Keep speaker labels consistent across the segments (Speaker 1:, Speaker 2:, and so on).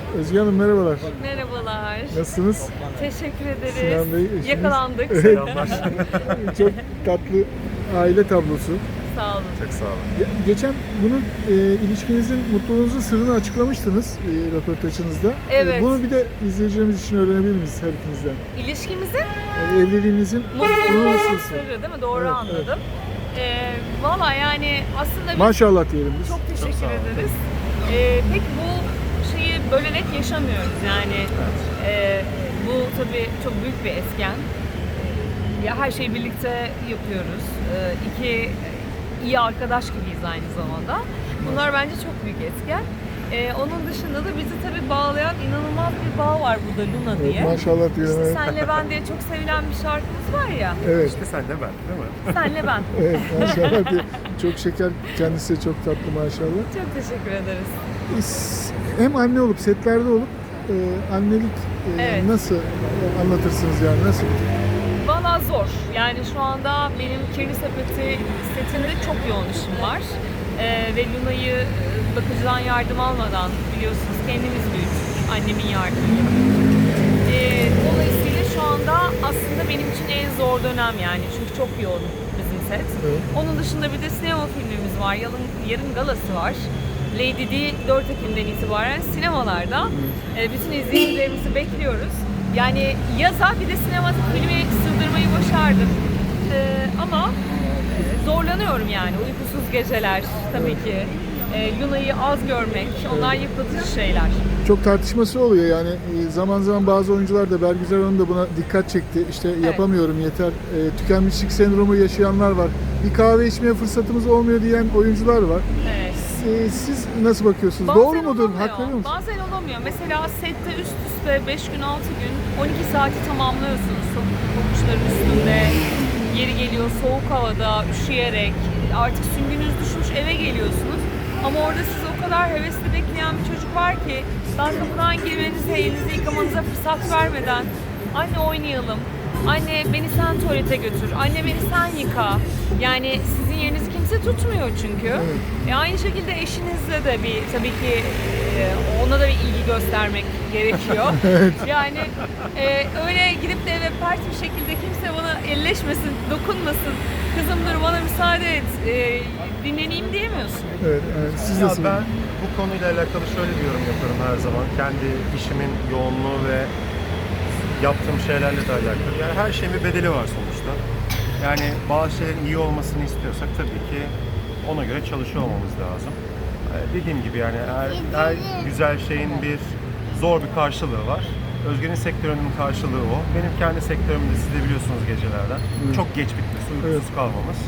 Speaker 1: Özge Hanım merhabalar.
Speaker 2: Merhabalar.
Speaker 1: Nasılsınız?
Speaker 2: Teşekkür ederiz.
Speaker 1: Sinan Bey, eşiniz.
Speaker 2: Yakalandık.
Speaker 1: Selamlar. Çok tatlı aile tablosu.
Speaker 2: Sağ olun.
Speaker 3: Çok sağ olun.
Speaker 1: Geçen bunun ilişkinizin, mutluluğunuzun sırrını açıklamıştınız röportajınızda.
Speaker 2: Evet.
Speaker 1: Bunu bir de izleyicilerimiz için öğrenebilir miyiz her ikinizden?
Speaker 2: İlişkimizin
Speaker 1: Evliliğinizin
Speaker 2: mutluluğun
Speaker 1: nasıl?
Speaker 2: sırrı değil mi? Doğru
Speaker 1: Evet,
Speaker 2: anladım. Valla yani aslında biz
Speaker 1: Maşallah diyelim biz.
Speaker 2: çok teşekkür
Speaker 3: sağ olun.
Speaker 2: ederiz. Pek bu şeyi böyle net yaşamıyoruz yani. Bu tabii çok büyük bir etken. Ya her şeyi birlikte yapıyoruz. İki iyi arkadaş gibiyiz aynı zamanda. Bunlar bence çok büyük etken. Onun dışında da bizi tabii bağlayan inanılmaz bir bağ var burada, Luna diye.
Speaker 1: Maşallah diyorum.
Speaker 2: İşte
Speaker 1: Evet.
Speaker 2: Senle Ben diye çok sevilen bir şarkımız var ya.
Speaker 1: Evet.
Speaker 3: İşte sen de ben, değil mi?
Speaker 2: Senle Ben.
Speaker 1: Evet, maşallah diye. Çok şeker, kendisi de çok tatlı maşallah.
Speaker 2: Çok teşekkür ederiz.
Speaker 1: Hem anne olup, setlerde olup annelik
Speaker 2: Evet.
Speaker 1: nasıl anlatırsınız yani, nasıl?
Speaker 2: Valla zor. Yani şu anda benim Kirli Sepeti setinde çok yoğun işim var. Ve Luna'yı bakıcıdan yardım almadan biliyorsunuz kendimiz büyüttük. Annemin yardımıyla. Dolayısıyla şu anda aslında benim için en zor dönem yani. Çünkü çok yoğun bizim set.
Speaker 1: Evet.
Speaker 2: Onun dışında bir de sinema filmimiz var. Yarın galası var. Lady D 4 Ekim'den itibaren sinemalarda. Bütün izleyicilerimizi bekliyoruz. Yani yaza bir de sinematik filmi sığdırmayı başardım. Ama zorlanıyorum yani. Uykusuz geceler tabii ki. Luna'yı az görmek, onlar yıpratıcı şeyler.
Speaker 1: Çok tartışması oluyor yani, zaman zaman bazı oyuncular da, Bergüzar Hanım da buna dikkat çekti. İşte yapamıyorum yeter, tükenmişlik sendromu yaşayanlar var. Bir kahve içmeye fırsatımız olmuyor diyen oyuncular var.
Speaker 2: Evet.
Speaker 1: Siz nasıl bakıyorsunuz?
Speaker 2: Bazen
Speaker 1: Doğru mudur?
Speaker 2: olamıyor.
Speaker 1: Hak veriyor musunuz?
Speaker 2: Bazen olamıyor. Mesela sette üst üste 5 gün 6 gün 12 saati tamamlıyorsunuz pabuçların üstünde. Yeri geliyor soğuk havada üşüyerek, artık süngünüz düşmüş eve geliyorsunuz. Ama orada sizi o kadar hevesli bekleyen bir çocuk var ki daha kapıdan girmenize, elinizi yıkamanıza fırsat vermeden anne oynayalım, anne beni sen tuvalete götür, anne beni sen yıka. Yani sizin yerinizi kimse tutmuyor çünkü. Aynı şekilde eşinizle de bir tabii ki ona da bir ilgi göstermek gerekiyor. Yani öyle gidip de eve pert bir şekilde kimse bana elleşmesin, dokunmasın, kızım dur bana müsaade et, dinleneyim diyemiyorsun.
Speaker 1: Evet, evet. Siz
Speaker 3: Ya
Speaker 1: nasıl?
Speaker 3: ben bu konuyla alakalı şöyle bir yorum yaparım her zaman. Kendi işimin yoğunluğu ve yaptığım şeylerle de alakalı. Yani her şeyin bir bedeli var sonuçta. Yani bazı şeylerin iyi olmasını istiyorsak tabii ki ona göre çalışıyor olmamız lazım. Dediğim gibi yani her güzel şeyin bir zor bir karşılığı var. Özge'nin sektörünün karşılığı o. Benim kendi sektörümde siz de biliyorsunuz gecelerden. Çok geç bitmesi, uykusuz kalmamız.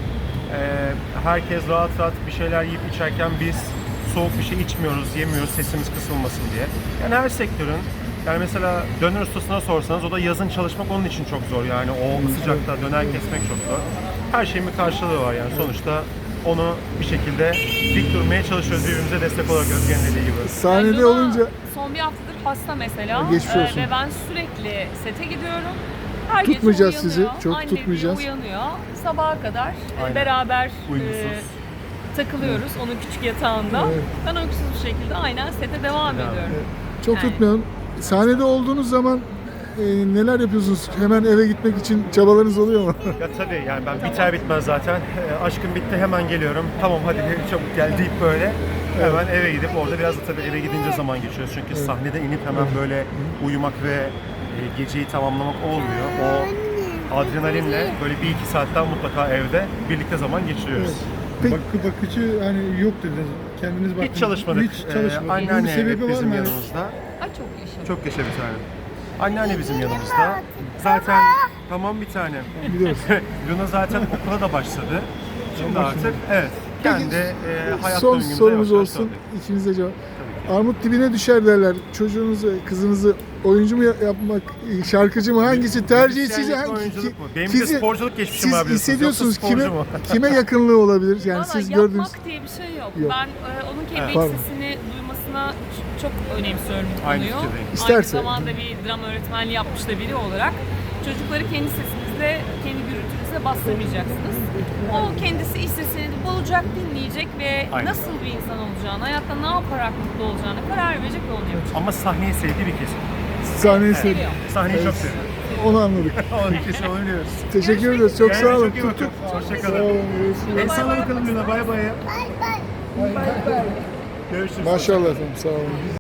Speaker 3: Herkes rahat rahat bir şeyler yiyip içerken biz soğuk bir şey içmiyoruz, yemiyoruz sesimiz kısılmasın diye. Yani her sektörün, yani mesela döner ustasına sorsanız o da yazın çalışmak onun için çok zor. Yani o sıcakta döner kesmek çok zor. Her şeyin bir karşılığı var yani sonuçta onu bir şekilde dik durmaya çalışıyoruz birbirimize destek olarak Özge'nin dediği gibi.
Speaker 1: Sahnede
Speaker 2: Luna
Speaker 1: olunca
Speaker 2: son bir haftadır hasta mesela.
Speaker 1: Geçmiş olsun.
Speaker 2: Ve ben sürekli sete gidiyorum. Her gece
Speaker 1: Tutmayacağız
Speaker 2: uyanıyor,
Speaker 1: sizi, çok
Speaker 2: anne
Speaker 1: tutmayacağız.
Speaker 2: diye uyanıyor. Sabaha kadar
Speaker 3: Aynen.
Speaker 2: beraber
Speaker 3: Uykusuz.
Speaker 2: takılıyoruz onun küçük yatağında.
Speaker 1: Evet.
Speaker 2: Ben uykusuz bir şekilde aynen sete devam ediyorum.
Speaker 1: çok
Speaker 2: Yani.
Speaker 1: tutmayalım. Sahnede olduğunuz zaman neler yapıyorsunuz? Hemen eve gitmek için çabalarınız oluyor mu?
Speaker 3: Ya tabii yani ben biter bitmez zaten aşkım bitti hemen geliyorum. Tamam hadi çabuk gel deyip böyle hemen eve gidip orada biraz da tabii eve gidince zaman geçiyoruz. Çünkü sahnede inip hemen böyle uyumak ve geceyi tamamlamak olmuyor. O adrenalinle böyle 1-2 saatten mutlaka evde birlikte zaman geçiriyoruz.
Speaker 1: Peki,
Speaker 4: Bakıcı hani yok dediniz. Kendiniz baktınız.
Speaker 3: Hiç çalışmadık.
Speaker 4: Hiç çalışmadık. Bunun bir
Speaker 3: Anneanne
Speaker 4: sebebi
Speaker 3: hep
Speaker 4: var
Speaker 3: bizim
Speaker 4: mı?
Speaker 3: yanımızda.
Speaker 2: Ay çok yaşa.
Speaker 3: Çok yaşa bir tane. Anneanne bizim yanımızda. Zaten tamam bir tane.
Speaker 1: biliyoruz.
Speaker 3: Luna zaten okula da başladı. Şimdi artık evet.
Speaker 1: Peki,
Speaker 3: Kendi hayat
Speaker 1: Son
Speaker 3: döngümüze
Speaker 1: sorumuz
Speaker 3: yavaş yavaş
Speaker 1: olsun.
Speaker 3: döndük.
Speaker 1: İkinize cevap. Armut dibine düşer derler. Çocuğunuzu, kızınızı oyuncu mu yapmak, şarkıcı mı, hangisi tercih siz
Speaker 3: Müzisyenlik mi, oyunculuk mu? Benim bir de sporculuk geçmişim var
Speaker 1: siz
Speaker 3: biliyorsunuz.
Speaker 1: hissediyorsunuz
Speaker 3: Yoksa
Speaker 1: kime
Speaker 3: sporcu mu?
Speaker 1: kime yakınlığı olabilir? Yani
Speaker 2: Valla
Speaker 1: siz
Speaker 2: yapmak
Speaker 1: gördüğünüz
Speaker 2: diye bir şey yok.
Speaker 1: Yok.
Speaker 2: Ben onun kendi
Speaker 1: Pardon.
Speaker 2: sesini duymasına çok önemsiyorum bu
Speaker 3: Aynı
Speaker 2: konuyu.
Speaker 3: fikirdeyim.
Speaker 1: İsterse.
Speaker 2: Aynı zamanda bir drama öğretmenliği yapmış da biri olarak çocukları kendi sesimizde de kendi gürültünüze bastırmayacaksınız. O kendisi istesini bulacak, dinleyecek ve
Speaker 3: Aynen.
Speaker 2: nasıl bir insan olacağını, hayatta ne yaparak mutlu olacağını karar verecek ve onu yapacak.
Speaker 3: Ama sahneyi sevdiği bir kesim.
Speaker 1: Sahneyi
Speaker 2: Seviyor.
Speaker 1: seviyorum.
Speaker 3: Sahneyi çok seviyor.
Speaker 1: Onu anladık.
Speaker 3: Onun kesin onu biliyoruz.
Speaker 1: Teşekkür ederiz. Çok sağ olun.
Speaker 3: Çok iyi bakın.
Speaker 1: Sağ
Speaker 3: Hoşçakalın.
Speaker 1: olun. Görüşürüz.
Speaker 3: El salla bakalım Luna. Bay bay. Görüşürüz.
Speaker 1: Maşallah efendim. Sağ olun.